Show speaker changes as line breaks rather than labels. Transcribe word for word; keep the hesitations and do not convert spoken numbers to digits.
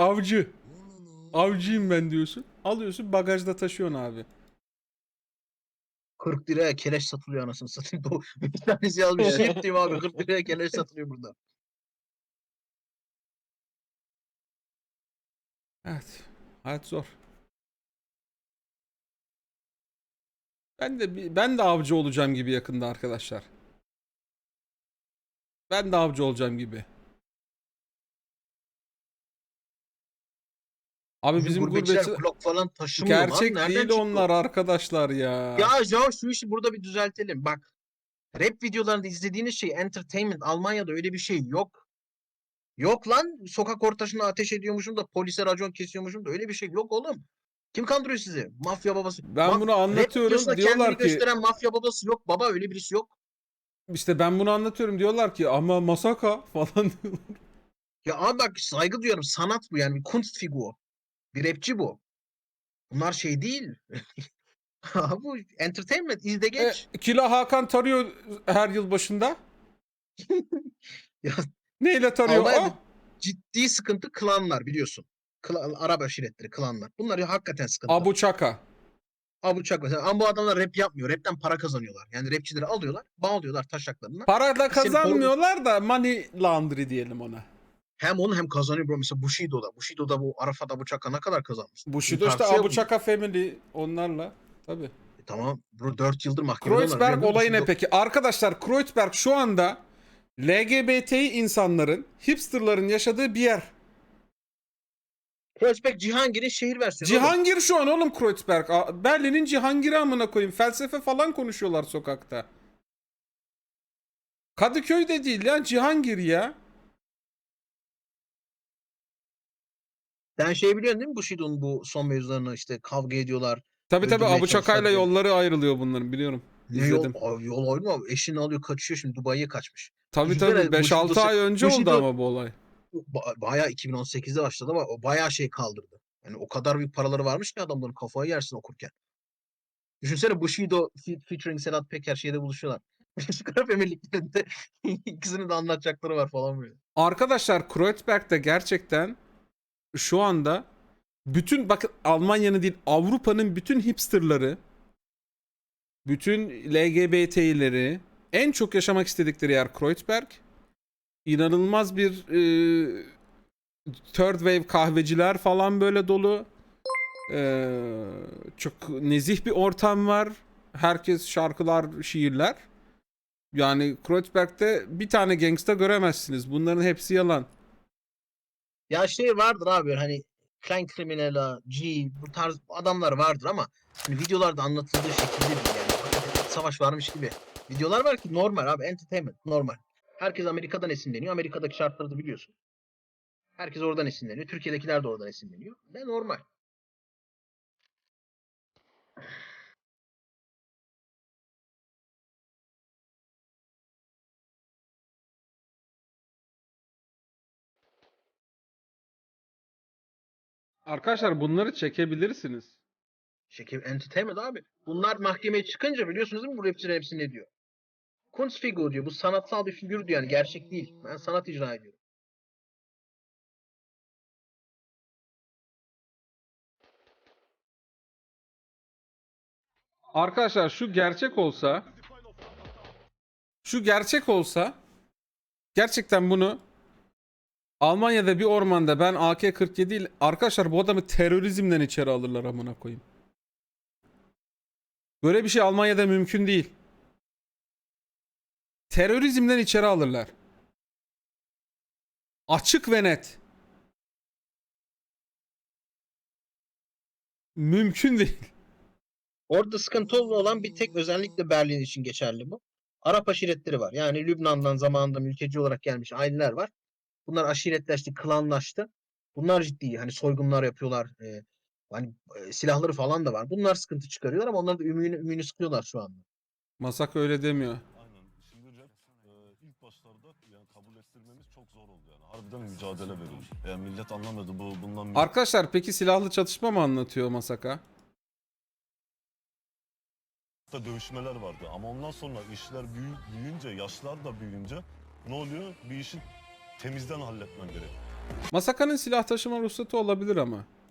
avcı. Avcıyım ben diyorsun. Alıyorsun bagajda taşıyorsun abi.
kırk liraya keleş satılıyor anasını satayım. Bu bir tanesi yazmış. Siirt diyeyim abi, kırk liraya keleş satılıyor burada.
Evet. Hayat zor. Ben de bir- ben de avcı olacağım gibi yakında arkadaşlar. Ben de avcı olacağım gibi. Abi
Bizim
bizim
gurbetçiler
gurbetçi
Glock falan taşımıyor lan.
gerçek
Nereden
değil
çıktı o?
onlar arkadaşlar ya.
Ya ya şu işi burada bir düzeltelim. Bak, rap videolarında izlediğiniz şey entertainment. Almanya'da öyle bir şey yok. Yok lan, sokak ortasına ateş ediyormuşum da polise racon kesiyormuşum da öyle bir şey yok oğlum. Kim kandırıyor sizi? Mafya babası.
Ben
Maf
bunu
rap
anlatıyorum
videosunda kendini
diyorlar ki
gösteren mafya babası yok. Baba öyle birisi yok.
işte ben bunu anlatıyorum diyorlar ki ama Masaka falan diyorlar.
Ya abi bak, saygı duyuyorum. Sanat bu yani. Bir Kunstfigur. Bir rapçi bu. Bunlar şey değil. Bu entertainment. İzle
E,
geç.
Kila Hakan tarıyor her yıl başında.
Ya
Neyle tarıyor
Almanya'da
o?
ciddi sıkıntı klanlar biliyorsun. Klan, Arap aşiretleri, klanlar. Bunlar ya hakikaten sıkıntı.
Abu Çaka.
Abi Çak mesela. Ama bu adamlar rap yapmıyor. Rapten para kazanıyorlar. Yani rapçileri alıyorlar, bağlıyorlar taşaklarına.
Para da
Biz seni koruduk.
kazanmıyorlar da money laundry diyelim ona.
Hem onu hem kazanıyor bro. Mesela Bushido'da. Bushido'da bu Arafat Abu Çak'a ne kadar kazanmıştır? Bunun
Bushido işte
tartışıyor
Abu
mu?
Çaka family onlarla. Tabii.
E tamam bro, dört yıldır mahkemede onlar.
Kreuzberg
Biliyorum değil mi?
olayı ne
Bushido.
peki? Arkadaşlar Kreuzberg şu anda L G B T insanların, hipsterların yaşadığı bir yer.
Kreuzberg Cihangir'in şehir versiyonu oğlum.
Cihangir şu an oğlum Kreuzberg. A- Berlin'in Cihangir'i amına koyayım. Felsefe falan konuşuyorlar sokakta. Kadıköy de değil ya, Cihangir ya.
Sen şey biliyorsun değil mi, Bushido'nun bu son mevzularını işte kavga ediyorlar.
Tabii tabii
Öldürmeye
Abu
çalışıyorlar
Çaka'yla
birbirlerini.
yolları ayrılıyor bunların biliyorum.
Ne yol?
İzledim.
Abi yol oyunu mu? Eşini alıyor kaçıyor, şimdi Dubai'ye kaçmış.
Tabii tabii
Düşünsene
beş
Bushido,
altı ay önce oldu
Bushido
ama bu olay.
ba- bayağı iki bin on sekizde başladı ama o bayağı şey kaldırdı. Yani o kadar büyük paraları varmış ki adamların, kafayı yersin okurken. Düşünsene Bushido fe- featuring Sedat Peker şeyde buluşuyorlar. Birleşik Arap Emirlikleri'nde ikisinin de anlatacakları var falan böyle.
Arkadaşlar Kreuzberg'de gerçekten şu anda bütün bakın Almanya'nın değil Avrupa'nın bütün hipsterları, bütün L G B T'leri en çok yaşamak istedikleri yer Kreuzberg. İnanılmaz bir e, third wave kahveciler falan böyle dolu. E, çok nezih bir ortam var. Herkes şarkılar, şiirler. Yani Kreuzberg'de bir tane gangsta göremezsiniz. Bunların hepsi yalan.
Ya şey vardır abi, hani Klein Criminal'a, G bu tarz adamlar vardır ama hani videolarda anlatıldığı şekilde değil yani. Hakikaten iç savaş varmış gibi. Videolar var ki normal abi, entertainment normal. Herkes Amerika'dan esinleniyor. Amerika'daki şartları da biliyorsun. Herkes oradan esinleniyor. Türkiye'dekiler de oradan esinleniyor. Ne normal.
Arkadaşlar bunları çekebilirsiniz.
Şekil entertainment abi. Bunlar mahkemeye çıkınca biliyorsunuz değil mi, bu rapçilerin hepsi ne diyor? Kunstfigur diyor. Bu sanatsal bir figür diyor yani, gerçek değil. Ben sanat icra ediyorum.
Arkadaşlar şu gerçek olsa, şu gerçek olsa gerçekten bunu Almanya'da bir ormanda ben A K kırk yedi ile arkadaşlar bu adamı terörizmden içeri alırlar amına koyayım. Böyle bir şey Almanya'da mümkün değil. Terörizmden içeri alırlar. Açık ve net. Mümkün değil.
Orada sıkıntılı olan bir tek, özellikle Berlin için geçerli bu. Arap aşiretleri var. Yani Lübnan'dan zamanında mülteci olarak gelmiş aileler var. Bunlar aşiretleşti, klanlaştı. Bunlar ciddi hani soygunlar yapıyorlar. E, hani e, silahları falan da var. Bunlar sıkıntı çıkarıyorlar ama onların da ümüğünü, ümüğünü sıkıyorlar şu anda.
Masak öyle demiyor.
Aynen. Şimdi rap e, ilk başlarda yani kabul ettirmemiz çok zor oldu yani. Harbiden mücadele verildi. Yani millet anlamadı bu bundan millet
Arkadaşlar peki silahlı çatışma mı anlatıyor Masaka?
da dövüşmeler vardı. Ama ondan sonra işler büyü- büyüyünce, yaşlar da büyüyünce ne oluyor? Bir işi temizden halletmen gerek.
Masaka'nın silah taşıma ruhsatı olabilir ama.